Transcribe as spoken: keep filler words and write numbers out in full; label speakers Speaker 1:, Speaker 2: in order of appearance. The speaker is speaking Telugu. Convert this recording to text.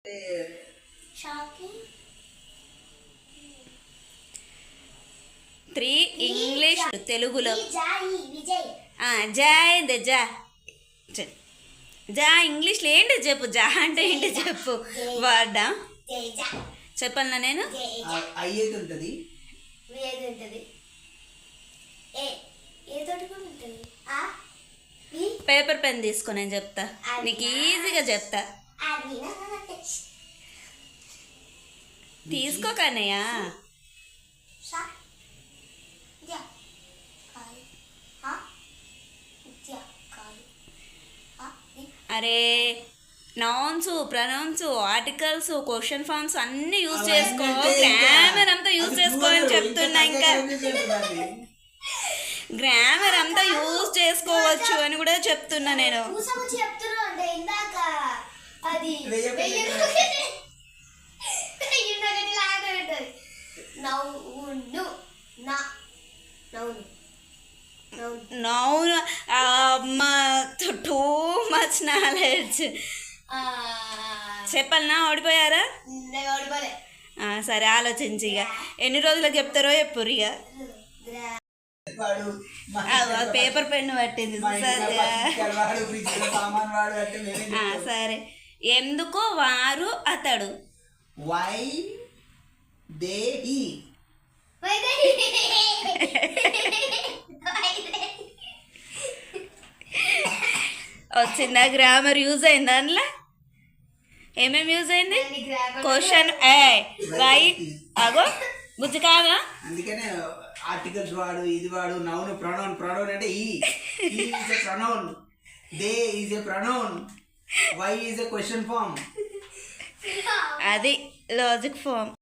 Speaker 1: త్రీ ఇంగ్లీష్ తెలుగులో జా ఏంది జా జా ఇంగ్లీష్లో ఏంటి చెప్పు. జా అంటే ఏంటి చెప్పు. వర్డా చెప్పాలనా నేను? పేపర్ పెన్ తీసుకో, నేను చెప్తా నీకు ఈజీగా చెప్తా. తీసుకో కన్నయ్య. అరే nouns, pronouns, articles, question forms అన్ని యూజ్ చేసుకో. గ్రామర్ అంతా యూజ్ చేసుకో అని చెప్తున్నా. ఇంకా గ్రామర్ అంతా యూజ్ చేసుకోవచ్చు అని కూడా చెప్తున్నా నేను. Noun too much knowledge. చెప్పాలనా? ఓడిపోయారా? సరే ఆలోచించి ఇక ఎన్ని రోజులకు చెప్తారో చెప్పురు. ఇక పేపర్ పెన్ను పట్టింది. సరే. ఎందుకు వారు అతడు?
Speaker 2: Why they he.
Speaker 1: వచ్చిందా? గ్రామర్ యూజ్ అయింది అందులో? ఏమేమి యూజ్ అయింది? క్వశ్చన్ ఏ వై అగో బుజ్జి కాదా?
Speaker 2: అందుకనే ఆర్టికల్స్ వాడు, ఇది వాడు. Noun pronoun. ప్రొనౌన్ అంటే ఈ is a pronoun, they is a pronoun, why is a question form.
Speaker 1: అది లాజిక్ ఫామ్.